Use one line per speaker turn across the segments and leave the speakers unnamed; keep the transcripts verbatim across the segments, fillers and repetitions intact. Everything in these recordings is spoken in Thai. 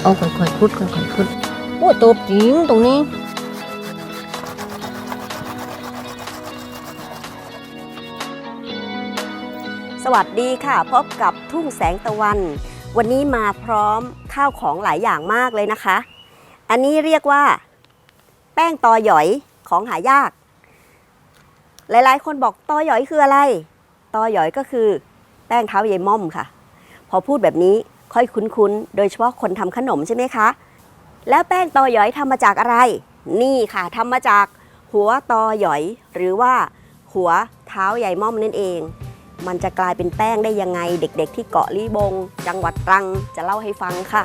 เอาค่อยๆพุดค่อยๆพุดโอ้ตบจริงตรงนี้
สวัสดีค่ะพบกับทุ่งแสงตะวันวันนี้มาพร้อมข้าวของหลายอย่างมากเลยนะคะอันนี้เรียกว่าแป้งตอหยอยของหายากหลายๆคนบอกตอหยอยคืออะไรตอหยอยก็คือแป้งเท้ายายม่อมค่ะพอพูดแบบนี้ค่อยคุ้นๆโดยเฉพาะคนทำขนมใช่ไหมคะแล้วแป้งตอหยอยทำมาจากอะไรนี่ค่ะทำมาจากหัวตอหยอยหรือว่าหัวเท้ายายม่อมนั่นเองมันจะกลายเป็นแป้งได้ยังไงเด็กๆที่เกาะลีบงจังหวัดตรังจะเล่าให้ฟังค่ะ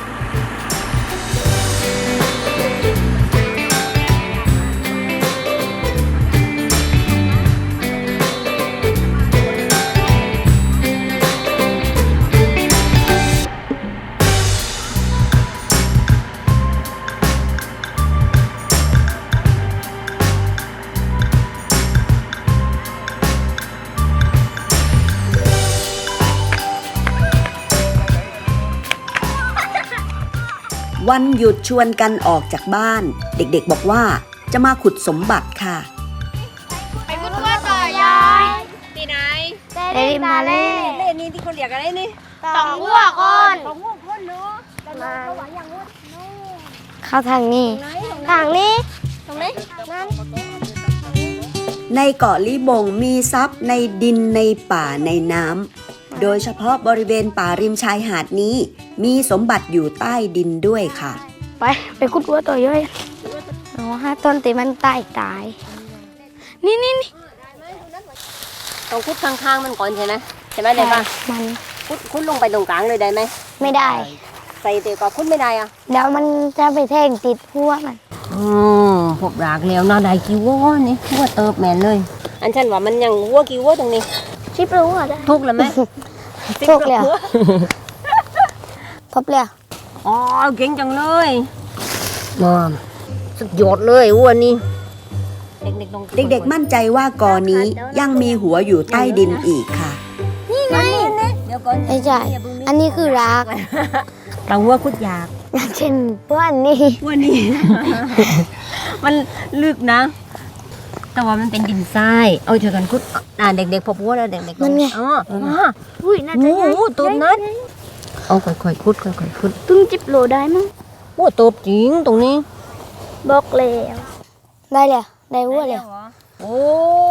วันหยุดชวนกันออกจากบ้านเด็กๆบอกว่าจะมาขุดสมบัติค่ะ
ไปขุดว่าต่อยายที่ไหน
เล่นมาเล่น
เล่นนี่ที่คนเรียกอะไรนี่
ต่องวัวก่อน
ของพวกคนเนาะมา
เข้าทางนี้ทางนี้ตรงนี้นั่น
ในเกาะลีบงมีทรัพย์ในดินในป่าในน้ำโดยเฉพาะบริเวณป่าริมชายหาดนี้มีสมบัติอยู่ใต้ดินด้วยค่ะ
ไปไปขุดวัวตัวย่อยเอาห้าต้นตีมันตายตายนี่นี่นี่
ต้องคุดข้างๆมันก่อนใช่ไหมใช่ไหมได้ปะ
มัน
คุดคุดลงไปตรงกลางเลยได้ไหม
ไม่ได้
ใส่เตียวก็คุดไม่ได้อะ
เดี๋ยวมันจะไปแทงติดหัวมัน
อืมพบรากแล้วน่าได้กี่วัวนี่วัวเติบแม่นเลยอันฉันว่ามันยังวัวกี่วัวตรงนี้
ชิบรู้อ่ะได้
ทุกแล้วไหม
ทุกเลยทบเลย
อ๋อเก่งจังเลยมาสุดยอดเลยวัวนี่เด็กๆมั่นใจว่ากอนี้ยังมีหัวอยู่ใต้ดินอีกค่ะ
นี่ไงไม่ใช่อันนี้คือราก
เราวัวคุดยาก
อย่างเช่นพวกอันนี้
วัวนี่มันลึกนะแต่ว่ามันเป็นดินทรายเอาเจอกันคุดอ่าเด็กๆพบวัวแล้วเด็กๆ
นั่นไง
อ๋อ
อุ้ยน่าจะใหญ่
ตัวนั้นเอาค่อยๆคุดค่อยๆคุด
ตึ้งจิบโลได้มั้ง
วัวตัวจริงตรงนี้
บอกแล้วได้เลยได้วัวเลย
โอ้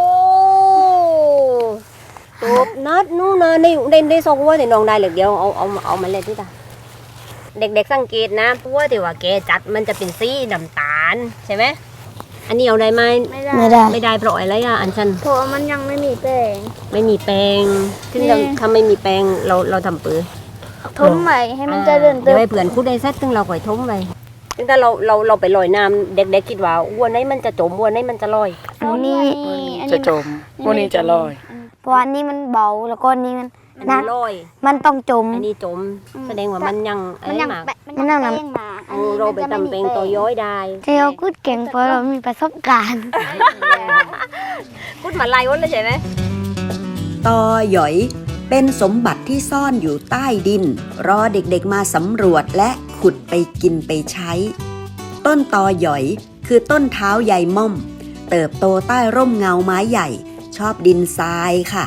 ตัวนัดนู่นนะในในในซอกวัวแต่น้องได้เหลือเดียวเอาเอาเอามาเลยที่ตาเด็กๆสังเกตนะวัวที่ว่าแกจัดมันจะเป็นสีน้ำตาลใช่ไหมอันนี้เอาได้ไหม
ไม่ได้
ไม่ได้เพราะอะไรอ่ะอันชัน
เพราะมันยังไม่มีแป้ง
ไม่มีแป้งซึ่งเราถ้าไม่มีแป้งเราเราทำปื้อ
ทมใหม่ให้มันจะเดินเติ
มเดี๋ยวให้เผื่อนคุดได้เสร็จซึ่งเราก่อยทมไปซึ่งถ้าเราเราเราไปลอยน้ำเด็กๆคิดว่าวัวไหนมันจะจมวัวไหนมันจะลอย
วัวนี้
จะจมวัวนี้จะลอย
เพราะอันนี้มันเบาแล้วก็นี้มัน
นักลอย
มันต้องจม
อันนี้จมแสดงว่ามันยัง
มันยังมันยังน้ำ
เราไปทำเป็นตัวย้อยได้
เที่ยวคุดเก่งเพราะเรามีประสบการณ์
คุดมาลายวันเลยใช่ไหม
ตอหยอยเป็นสมบัติที่ซ่อนอยู่ใต้ดินรอเด็กๆมาสำรวจและขุดไปกินไปใช้ต้นตอหยอยคือต้นเท้ายายม่อมเติบโตใต้ร่มเงาไม้ใหญ่ชอบดินทรายค่ะ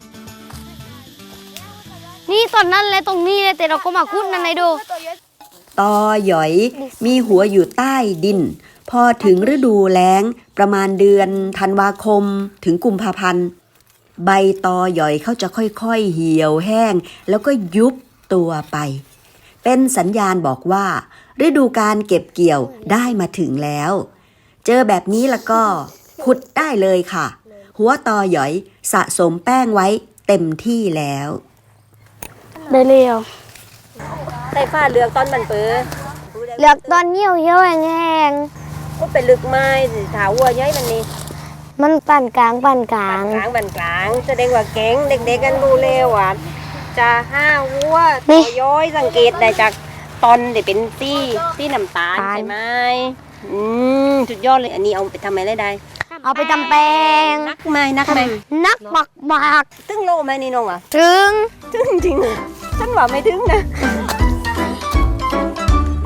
นี่ตอนนั้นเลยตรงนี้เลยแต่เราก็มาขุดนั่นเลยดู
ตอหยอยมีหัวอยู่ใต้ดินพอถึงฤดูแล้งประมาณเดือนธันวาคมถึงกุมภาพันธ์ใบตอหยอยเขาจะค่อยๆเหี่ยวแห้งแล้วก็ยุบตัวไปเป็นสัญญาณบอกว่าฤดูการเก็บเกี่ยวได้มาถึงแล้วเจอแบบนี้แล้วก็ขุดได้เลยค่ะหัวตอหยอยสะสมแป้งไว้เต็มที่แล้ว
ได้เร็ว
ใส่ฝ้าเลือกตอนมันเปื้อ
เลือกตอนเหี่ยวเหี่ยวแห้ง
ก็เป็นลึกไม้ถาววัวย้อยมันนี่
มันปั่นกลางปั่นกลาง
กลางปั่นกลางแสดงว่าเก่งเด็กๆกันดูเร็วอ่ะจะห้าวัวตัวย้อยสังเกตได้จากตอนที่เป็นตี้ตี้น้ำตาลใช่ไหมอืมสุดยอดเลยอันนี้เอาไปทำอะไรได้
เอาไปทำแป้ง
นักไหมนักไหม
นักบักบัก
ตึ้งโลไหมนี่น้องอ่ะ
ถึง
ถึงจริงฉันว่าไม่ถึงนะ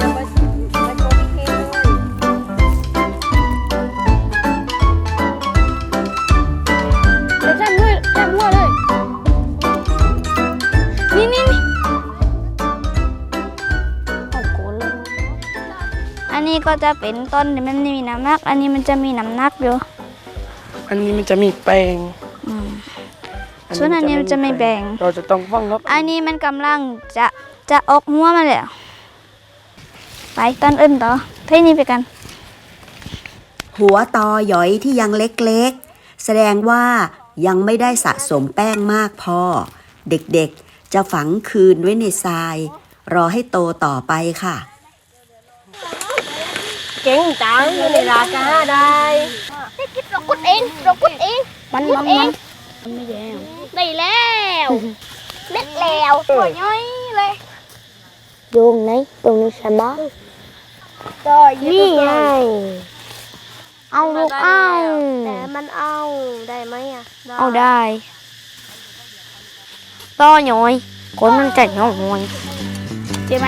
นี้ก็จะเป็นต้นที่มันไม่มีน้ำหนัก อันนี้มันจะมีน้ำหนักอยู่
อันนี้มันจะมีแปลง
อืมส่วนอันนี้มันจะไม่แบ่ง
เราจะต้องฟังครับ
อันนี้มันกำลังจะจะออกหัวมาแล้วไปต้นอื่นต่อเท่านี้ไปกัน
หัวตอหยอยที่ยังเล็กๆ แสดงว่ายังไม่ได้สะสมแป้งมากพอ เด็กๆจะฝังคืนไว้ในทราย รอให้โตต่อไปค่ะ
เก่งจังอยู่ในราคาได้
เรากุดเองเรากุดเอง
มันมันมันไม่แย่
ได้แล้วเล็ดแล้วตัวย่อยเลย
โยงไหนตรงนี้ใช่ไหม
ตัว
นี่ไงเอาลูกเอา
แต่มันเอาได้ไหมอ่ะ
เอาได้ต่อหน่อยคนมันจะหน่อยใช่ไหม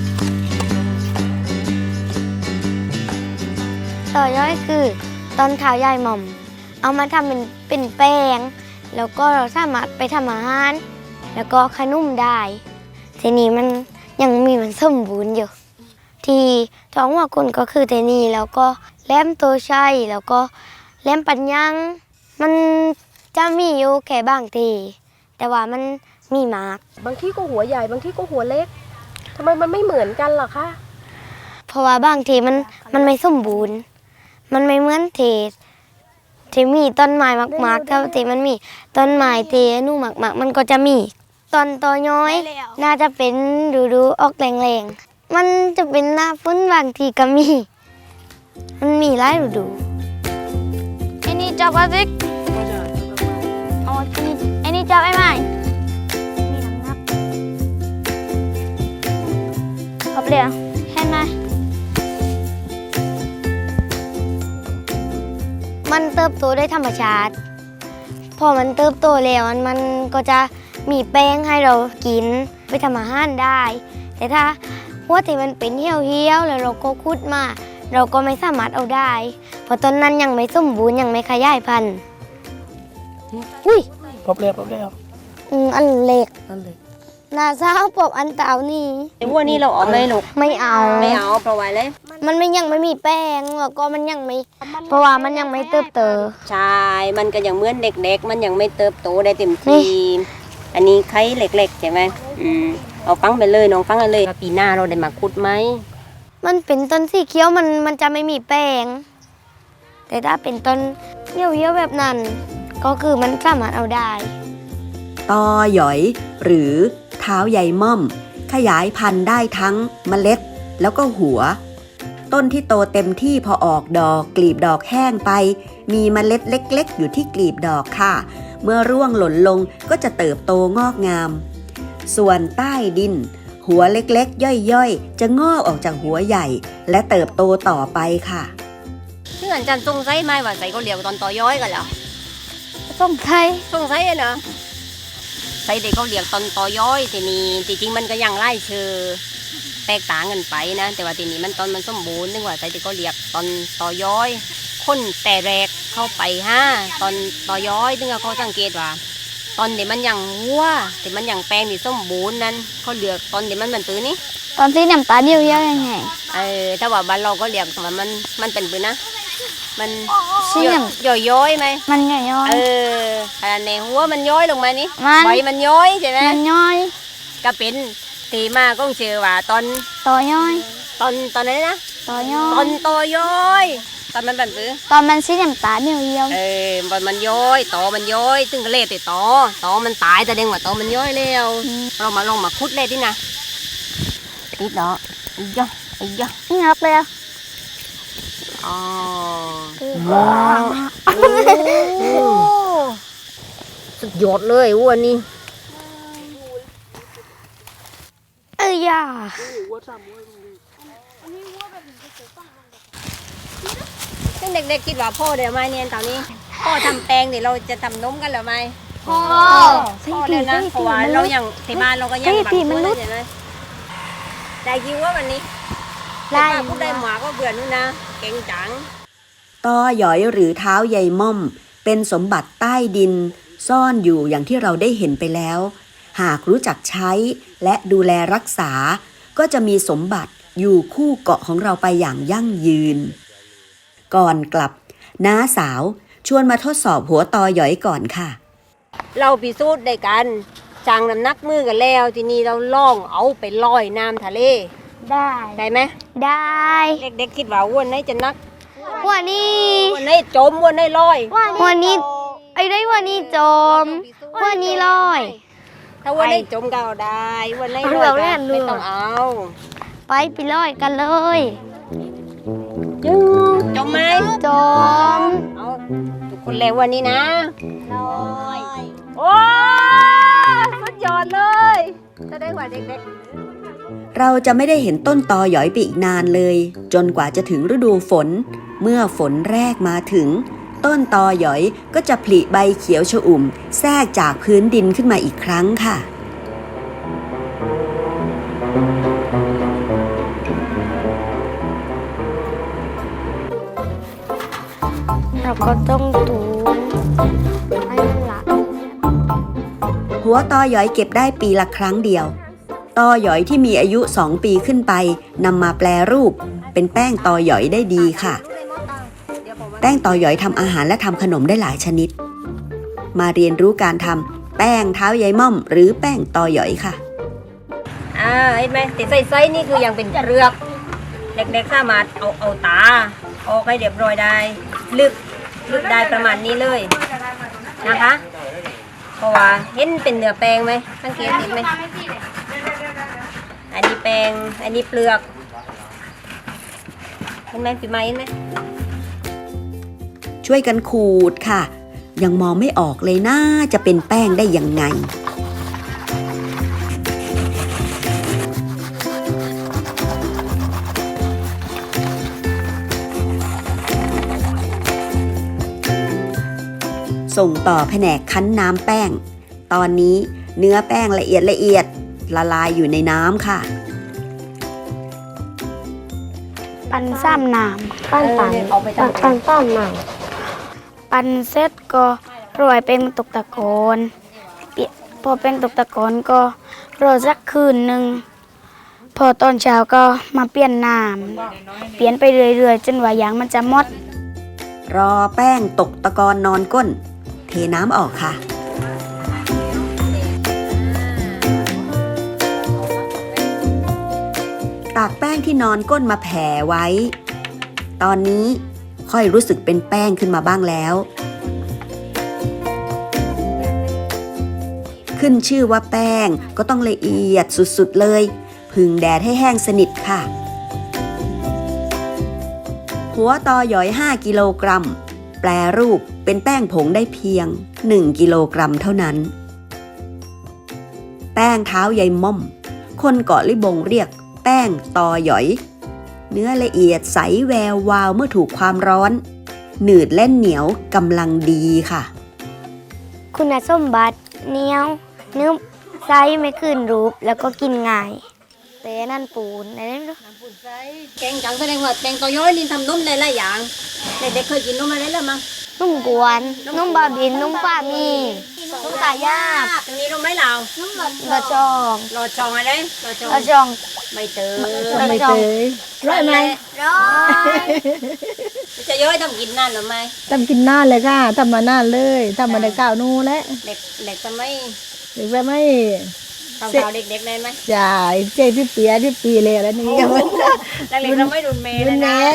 ต่อย่อยคือตอนข้าวยายหม่อม เอามาทำเป็นเป็นแป้ง แล้วก็เราสามารถไปทำอาหาร แล้วก็ขนุ่มได้ ทีนี้มันยังมีมันสมบูรณ์อยู่ ที่ท้องว่าคนก็คือเทนี่แล้วก็แหลมโตชัยแล้วก็แหลมปัญญัง มันจะมีอยู่แค่บางที แต่ว่ามันมีมาก
บางที่ก็หัวใหญ่บางที่ก็หัวเล็กทำไมมันไม่เหมือนกันล่ะคะ
เพราะว่าบางทีมันมันไม่สมบูรณ์ มันไม่เหมือนเทที่มีต้นไม้มากๆถ้าที่มันมีต้นไม้เทนู่มากๆมันก็จะมีตอนตอน้อย น่าจะเป็นดูดูๆออกแรงๆมันจะเป็นหน้าฝนบางทีก็มี มันมีหลายฤดูไอ้นี่จับอะไรเอาไอ้นี่ไอ้นี่จับไอ้ไม้มีน้ำหนักครบเลยเห็นไหมมันเติบโตได้ธรรมชาติ พอมันเติบโตแล้วมันมันก็จะมีแป้งให้เรากินไปทำอาหารได้ แต่ถ้าหัวที่มันเป็นเหี่ยวๆแล้วเราก็คุดมา เราก็ไม่สามารถเอาได้ เพราะตอนนั้นยังไม่สมบูรณ์ยังไม่ขยายพันธุ์อุ้ย
พบแล้วพบแล้ว
อืมอันเล็ก
นั่นเลย
นาซาปอบอันเต่านี่
ไอ้วัวนี่เราเอาไหมลูก
ไม่เอา
ไม่เอาเพราะว่าเลย
มันไม่ยังไม่มีแป้งแล้วก็มันยังไม่ เพราะว่ามันยังไม่เติบโต
ใช่มันก็ยังเหมือนเด็กๆ มันยังไม่เติบโตได้เต็ม
นี่
ที่อันนี้ไข่เล็กๆใช่ไหมอืมเอาฟังไปเลยน้องฟังกันเลยว่าปีหน้าเราได้มาขุดไหม
มันเป็นต้นสีเขียวมันมันจะไม่มีแป้ง แต่ถ้าเป็นต้นเหี่ยวๆแบบนั้น ก็คือมันสามารถเอาได้
ตอหยอยหรือเท้าใยม่อม ขยายพันธุ์ได้ทั้งเมล็ดแล้วก็หัว ต้นที่โตเต็มที่พอออกดอกกลีบดอกแห้งไป มีเมล็ดเล็กๆ อยู่ที่กลีบดอกค่ะ เมื่อร่วงหล่นลงก็จะเติบโตงอกงาม ส่วนใต้ดิน หัวเล็กๆ ย่อยๆ จะงอกออกจากหัวใหญ่ และเติบโตต่อไปค่ะ
ซึ่งอาจารย์สงสัยไหมว่าใส่ก็เรียกตอนต่อย้อยกันแล้ว
ส้มไทย
สงสัยอะเนาะใส่เด็กเขาเรียกตอนต่อย้อยทีนี้จริงๆมันก็ยังไล่เชื่อแตกต่างกันไปนะ แต่ว่าทีนี้มันตอนมันสมบูรณ์นึกว่าใส่เด็กเขาเรียกตอนต่อย้อยคนแต่แรกเข้าไปห้าตอนต่อย้อยถึงเขาสังเกตว่า ตอนเดี๋ยวมันยังวัวแต่มันยังแปลงที่สมบูรณ์นั้นเขาเลือกตอนเดี๋ยวมันเป็นปืนนี้
ตอนที่น้ำตาลเหี่ยวๆยังไง
เออถ้าว่าบ้านเราก็เรียกว่ามันมันเป็นปืนนะมัน
สีน้
ย่อยย้อยๆไหม
ำมันย่อย
เออขนาดในหัวมันย้อยลงมานี่
มัน
ใบมันย้อยใช่ไหม
มันย่อย
ก็เป็นตีมาก็เชื่อว่าตอน
ต่อย่อย
ตอนตอนไหนนะ
ต่อย่อ
ตอย นโตย้อยตอนมันเป็นปืน
ตอนมันสีน้ำตาลเหี่ยว
เออมันมันย้อยตอมันย้อยซึ่งก็เล่ติตอตอมันตายแต่เด้งว่าตอมันย้อยแล้วเรามาลองมาคุดเลยดินะติดเนาะอีกย่ออีกย่อ
ๆนี่ครับเลยอ่ะ
อ๋อ
ว้าว
สุดยอดเลยวัวนี่
เอ้ยย่า
ซึ่งเด็กๆคิดว่าพ่อเดี๋ยวมาเนี่ยตอนนี้พ่อทำแปลงเดี๋ยวเราจะทำนมกันหรือไม่
พ่อ
พ่อเลยนะเพราะว่าเรายังที่บ้านเราก็ยังบางคนเลยใช่ไหมได้คิวว่าวันนี้
ไล่
ป้าพูดได้หมาก็เบื่อนู่นนะเก่งจัง
ตอหยอยหรือเท้าใยม่อม เป็นสมบัติใต้ดิน ซ่อนอยู่อย่างที่เราได้เห็นไปแล้ว หากรู้จักใช้และดูแลรักษา ก็จะมีสมบัติอยู่คู่เกาะของเราไปอย่างยั่งยืนก่อนกลับน้าสาวชวนมาทดสอบหัวตอหยอยก่อนค่ะ
เราพิสูจน์ได้กันจังน้ำหนักมือกันแล้วทีนี้เราล่องเอาไปลอยน้ำทะเล
ได้
ได้ไหม
ได้
เด็กๆคิดว่าอ้วนไหนจะนัก
อ้วนนี่
อ้วนไหนจมอ้วนไหนลอย
อ้วนนี่ไอ้ได้อ้วนนี่จมอ้วนนี่ลอย
ถ้าอ้วนไหนจมก็เอาได้อ้วนไหนลอยก็ไม่ต้องเอา
ไปไปลอยกันเลย
จมไหม
จม
เอาทุกคนแล้ววันนี้นะลอยโอ้สุดยอดเลยจะได้กว่าเด็ก
ๆเราจะไม่ได้เห็นต้นตอหยอยไปอีกนานเลยจนกว่าจะถึงฤดูฝนเมื่อฝนแรกมาถึงต้นตอหยอยก็จะผลิใบเขียวชอุ่มแทรกจากพื้นดินขึ้นมาอีกครั้งค่ะ
เราก็ต้องตูนให้มันละ
หัวตอหยอยเก็บได้ปีละครั้งเดียวตอหยอยที่มีอายุสองปีขึ้นไปนำมาแปรรูปเป็นแป้งตอหยอยได้ดีค่ะแป้งตอหยอยทำอาหารและทำขนมได้หลายชนิดมาเรียนรู้การทำแป้งเท้ายายม่อมหรือแป้งตอหยอยค่ะ
อ่าเห็นไหมติดไส้ๆนี่คือยังเป็นเปลือกเด็กๆสามารถเอาเอาตาออกให้เรียบร้อยได้ลึกลึกได้ประมาณนี้เลยนะคะเพราะว่าเห็นเป็นเนื้อแป้งไหมสังเกตเห็นไหมอันนี้แป้งอันนี้เปลือกเห็นไหมปีไม้เห็นไหม
ช่วยกันขูดค่ะยังมองไม่ออกเลยน่าจะเป็นแป้งได้ยังไงส่งต่อแผนกคั้นน้ำแป้งตอนนี้เนื้อแป้งละเอียดละเอียดละลายอยู่ในน้ำค่ะ
ปั่นซ้ำน้ำปั่นปั่นปั่นปั่นซ้ำน้ำปั่นเสร็จก็โรยเป็นตกตะกอนพอเป็นตกตะกอนก็รอสักคืนหนึ่งพอตอนเช้าก็มาเปลี่ยนน้ำเปลี่ยนไปเรื่อยๆจนว่ายางมันจะหมด
รอแป้งตกตะกอนนอนก้นเทน้ำออกค่ะตากแป้งที่นอนก้นมาแผ่ไว้ตอนนี้ค่อยรู้สึกเป็นแป้งขึ้นมาบ้างแล้วขึ้นชื่อว่าแป้งก็ต้องละเอียดสุดๆเลยผึ่งแดดให้แห้งสนิทค่ะหัวตอหยอยห้ากิโลกรัมแปรรูปเป็นแป้งผงได้เพียงหนึ่งกิโลกรัมเท่านั้นแป้งเท้ายายม่อมคนเกาะลิบงเรียกแป้งตอหยอยเนื้อละเอียดใสแวววาวเมื่อถูกความร้อนหนืดและเหนียวกำลังดีค่ะ
คุณสมบัติเหนียวนุ่มไซส์ไม่ขึ้นรูปแล้วก็กินง่ายแต่นั่นปูนอะไรนั่นด้วย
แกงจังแสดงว่าแกงตอย้อยนี่ทำนุ่มหลายๆอย่างเด็กๆเคยกินนุ่มอะไรแล้วมั้ง
นุ่มกวนนุ่มบาบินนุ่มป้ามีนุ่มตายาบ
ตรงนี้นุ่มไหมเรานุ่ม
รอจอง
รอจองอะไรรอจอง
รอจอง
ไม่เตย
ไม่เตยร้อยไหม
ร้อยจะย้อยทำกินนานหรือไม่
ทำกินนานเลยค่ะทำมานานเลยทำมาได้เก้านู่แล้ว
เด็กเด็กจะไม่
เด็กจะไม่
ทำเราเด็กๆได้ไหม
ใช่เจ๊ที่เปียที่ปีเลยแล้วนี่
กันเด็กๆเราไม่รุนเมย์เลยนะ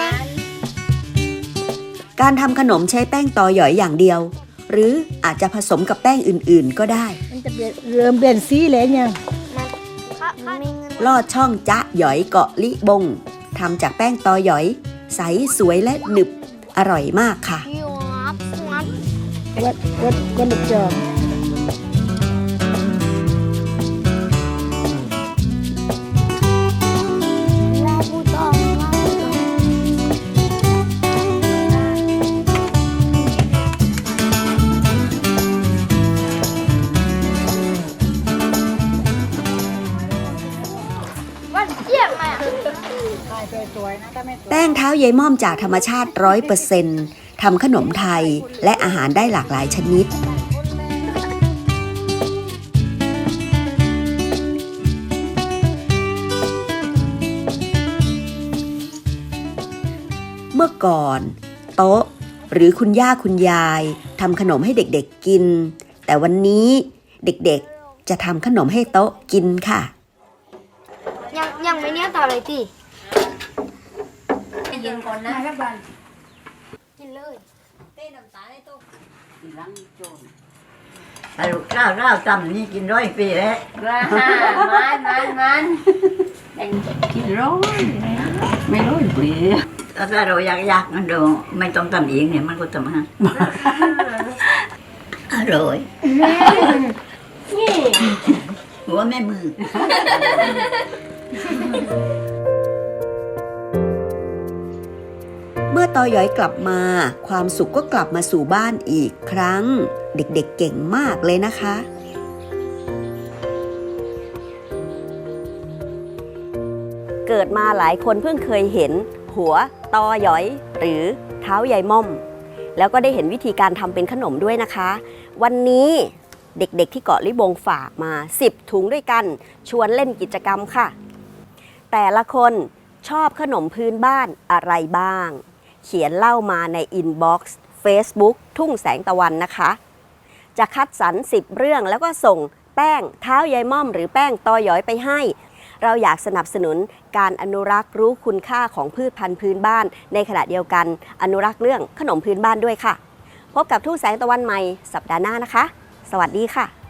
การทำขนมใช้แป้งตอหยอยอย่างเดียวหรืออาจจะผสมกับแป้งอื่นๆก็ได้
มันจะเริ่มเปลี่ยนสีเลยเนี่ย
ลอดช่องจ๊ะหยอยเกาะลิบงทำจากแป้งตอหยอยใสสวยและหนึบอร่อยมากค่ะ
วัดวัดวัดหลุดจอม
แป้งเท้ายายม่อมจากธรรมชาติ ร้อยเปอร์เซ็นต์ ทำขนมไทยและอาหารได้หลากหลายชนิดมื่อก่อนโต๊ะหรือคุณย่าคุณยายทำขนมให้เด็กๆกินแต่วันนี้เด็กๆจะทำขนมให้โต๊ะกินค่ะ
ยังยังไม่เนี้ยต่อเลยที
กินก่อนนะ
กินเลย
เต้น้ำตาลให้ตุ๊ก
แต่ลูกข้าวข้าวจำนี่กินร้อยปีแล้ว
ราฮามันมันมัน
กินร้อยไม่ร้อยปีถ้าเราอยากอยากมันดูไม่ต้องทำเองเนี่ยมันก็ทำให้อร่อยหัวแม่มือ
เมื่อตอย้อยกลับมาความสุขก็กลับมาสู่บ้านอีกครั้งเด็กๆ เเก่งมากเลยนะคะ เกิดมาหลายคนเพิ่งเคยเห็นหัวตอย้อยหรือเท้ายายม่อม แล้วก็ได้เห็นวิธีการทำเป็นขนมด้วยนะคะ วันนี้เด็กๆที่เกาะลิบงฝากมาสิบถุงด้วยกันชวนเล่นกิจกรรมค่ะ แต่ละคนชอบขนมพื้นบ้านอะไรบ้างเขียนเล่ามาในอินบ็อกซ์ Facebook ทุ่งแสงตะวันนะคะ จะคัดสรรสิบเรื่องแล้วก็ส่งแป้งเท้ายายม่อมหรือแป้งตอย้อยไปให้ เราอยากสนับสนุนการอนุรักษ์รู้คุณค่าของพืชพันธุ์พื้นบ้านในขณะเดียวกันอนุรักษ์เรื่องขนมพื้นบ้านด้วยค่ะ พบกับทุ่งแสงตะวันใหม่สัปดาห์หน้านะคะ สวัสดีค่ะ